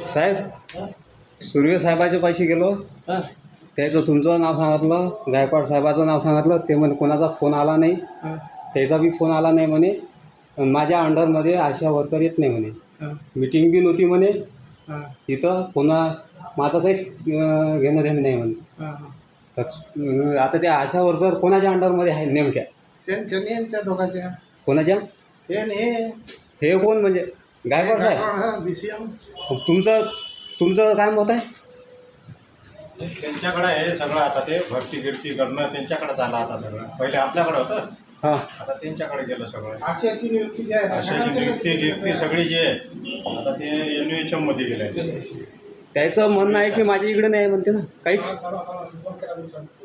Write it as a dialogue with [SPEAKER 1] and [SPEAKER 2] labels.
[SPEAKER 1] साहेब, सुर्वे साहेबाचे पैसे गेलो,
[SPEAKER 2] हां
[SPEAKER 1] त्याचं तुमचं नाव सांगितलं, गायकवाड साहेबाचं नाव सांगितलं. ते म्हणे कोणाचा फोन आला नाही,
[SPEAKER 2] हां
[SPEAKER 1] त्याचा बी फोन आला नाही म्हणे. माझ्या अंडरमध्ये आशा वर्कर येत नाही म्हणे.
[SPEAKER 2] हां
[SPEAKER 1] मीटिंग बी नव्हती म्हणे
[SPEAKER 2] हां
[SPEAKER 1] इथं. पुन्हा माझं काहीच घेणं देणं नाही म्हणे.
[SPEAKER 2] हां
[SPEAKER 1] तर आता त्या आशा वर्कर कोणाच्या अंडरमध्ये आहे नेमक्या?
[SPEAKER 2] त्यांच्या यांच्या दोघांच्या
[SPEAKER 1] कोणाच्या?
[SPEAKER 2] हे आणि हे
[SPEAKER 1] हे कोण म्हणजे? गायकवाड साहेब.
[SPEAKER 2] BCM
[SPEAKER 1] तुमचं काय मत आहे?
[SPEAKER 3] त्यांच्याकडे आहे सगळं. आता ते भरती गिरती करणं त्यांच्याकडे झालं आता सगळं. पहिले आपल्याकडे होतं,
[SPEAKER 1] हां,
[SPEAKER 3] आता त्यांच्याकडे गेलं सगळं.
[SPEAKER 2] आशियाची नियुक्ती जी आहे
[SPEAKER 3] अशाची नियुक्ती सगळी जी आहे आता ते NUHM मध्ये गेले.
[SPEAKER 1] त्याचं म्हणणं आहे की माझ्या इकडे नाही म्हणते ना काहीच.